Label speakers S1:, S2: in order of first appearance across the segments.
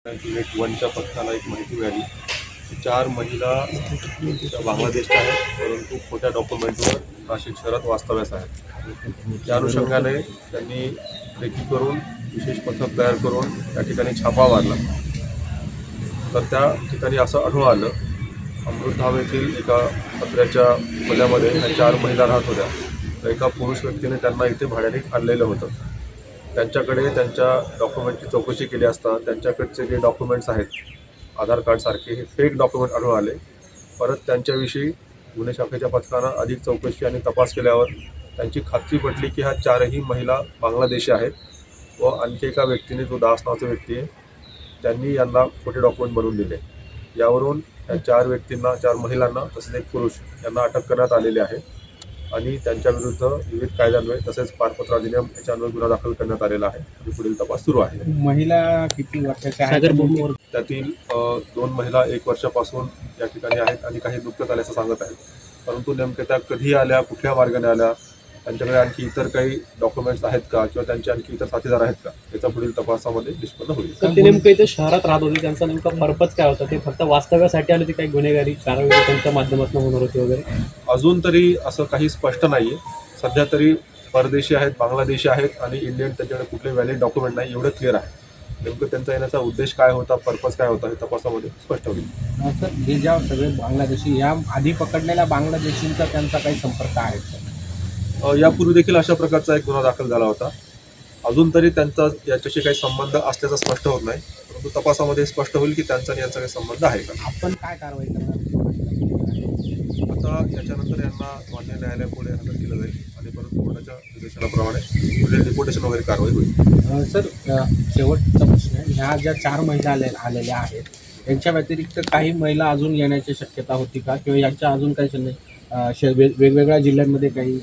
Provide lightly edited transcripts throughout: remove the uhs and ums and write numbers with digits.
S1: Unit 1च्या पथकाला एक माहिती मिळाली की 4 महिला बांगलादेशच्या आहेत, परंतु खोट्या डॉक्युमेंटवर नाशिक शहरात वास्तव्यास आहेत. त्या अनुषंगाने त्यांनी रेकी करून विशेष पथक तयार करून त्या ठिकाणी छापा मारला. तर त्या ठिकाणी असं आढळून आलं, अमृतधाम येथील एका पत्र्याच्या खोल्यामध्ये ह्या 4 महिला राहत होत्या. तर एका पुरुष व्यक्तीने त्यांना इथे भाड्याने आणलेलं होतं. त्यांच्याकडे त्यांच्या डॉक्युमेंटची चौकशी केली असता त्यांच्याकडचे जे डॉक्युमेंट्स आहेत आधार कार्डसारखे हे फेक डॉक्युमेंट आढळून आले. परत त्यांच्याविषयी गुन्हे शाखेच्या पथकानं अधिक चौकशी आणि तपास केल्यावर त्यांची खात्री पटली की ह्या 4ही महिला बांगलादेशी आहेत व आणखी एका व्यक्तीने, जो दास नावाचा व्यक्ती आहे, त्यांनी यांना खोटे डॉक्युमेंट बनवून दिले. यावरून या 4 व्यक्तींना, 4 महिलांना तसेच एक पुरुष यांना अटक करण्यात आलेली आहे आणि त्यांच्याविरुद्ध विविध कायद्यान्वये तसेच पारपत्र अधिनियम याच्यान्वये गुन्हा दाखल करण्यात आलेला आहे आणि पुढील तपास सुरू आहे.
S2: महिला किती वर्षाच्या आहेत?
S1: त्यातील 2 महिला 1 वर्षापासून या ठिकाणी आहेत आणि काही नुकतंच आल्याचं सांगत आहेत. परंतु नेमक्या त्या कधी आल्या, कुठल्या मार्गाने आल्या, त्यांच्याकडे आणखी इतर काही डॉक्युमेंट्स आहेत का किंवा त्यांचे आणखी इतर साथीदार आहेत का, याचा पुढील तपासामध्ये निष्पन्न होईल.
S3: तर ते नेमकं इथे शहरात राहत होते, त्यांचा नेमका पर्पज काय होता? ते फक्त वास्तव्यासाठी आले, ते काही गुन्हेगारी कारवाई त्यांच्या माध्यमातून होणार होती वगैरे?
S1: अजून तरी असं काही स्पष्ट नाही आहे. सध्या तरी परदेशी आहेत, बांगलादेशी आहेत आणि इंडियन त्यांच्याकडे कुठले व्हॅलिड डॉक्युमेंट नाही, एवढं क्लिअर आहे. नेमकं त्यांचा येण्याचा उद्देश काय होता, पर्पज काय होता, हे तपासामध्ये स्पष्ट होईल.
S2: सर, हे ज्या सगळे बांगलादेशी, या आधी पकडलेल्या बांगलादेशींचा त्यांचा काही संपर्क आहे का?
S1: यापूर्वी देखील अशा प्रकारचा एक गुन्हा दाखल झाला होता. अजून तरी त्यांचा याच्याशी काही संबंध असल्याचं स्पष्ट होत नाही, परंतु तपासामध्ये स्पष्ट होईल की त्यांचा आणि यांचा काही संबंध आहे का.
S2: आपण काय कारवाई करणार?
S1: आता याच्यानंतर यांना मान्य न्यायालयापुढे हजर केलं जाईल आणि परत कोर्टाच्या निर्देशनाप्रमाणे पुढे डिपोटेशन वगैरे कारवाई होईल.
S2: सर, शेवटचा प्रश्न आहे, ह्या ज्या 4 महिला आलेल्या आहेत यांच्या व्यतिरिक्त काही महिला अजून येण्याची शक्यता होती का, किंवा यांच्या अजून काही वेगवेगळ्या जिल्ह्यांमध्ये काही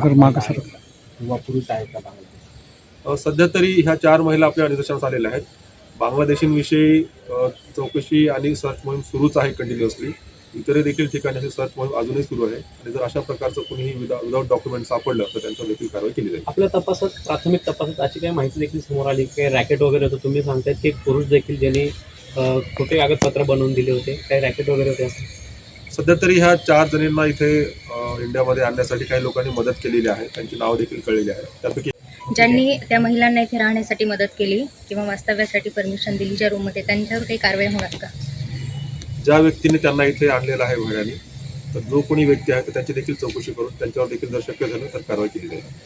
S2: किंवा पुरुष आहेत का बांगलादेश?
S1: सध्या तरी ह्या 4 महिला आपल्या निदर्शनास आलेल्या आहेत. बांगलादेशींविषयी चौकशी आणि सर्च मोहीम सुरूच आहे कंटिन्युअसली. इतर देखील ठिकाणी अशी सर्च मोहीम अजूनही सुरू आहे आणि जर अशा प्रकारचं कुणीही विदाउट डॉक्युमेंट सापडलं तर त्यांच्यावर देखील कारवाई केली जाईल.
S3: आपल्या तपासात, प्राथमिक तपासात अशी काही माहिती देखील समोर आली, काही रॅकेट वगैरे होतं? तुम्ही सांगतायत की एक पुरुष देखील ज्यांनी खोटे कागदपत्र बनवून दिले होते, काही रॅकेट वगैरे होते असं?
S1: सध्या तरी ह्या 4 जणींना इथे इंडियामध्ये आणण्यासाठी काही लोकांनी मदत केलेली आहे. त्यांची नावं देखील कळलेली आहे. त्यापैकी
S4: ज्यांनी त्या महिलांना इथे राहण्यासाठी मदत केली किंवा वास्तव्यासाठी परमिशन दिली ज्या रूममध्ये, त्यांच्यावर काही कारवाई होणार का?
S1: ज्या व्यक्तीने त्यांना इथे आणलेलं आहे भाड्याने, तर जो कोणी व्यक्ती आहे तर त्याची देखील चौकशी करून त्यांच्यावर देखील जर शक्य झालं तर कारवाई केली जाईल.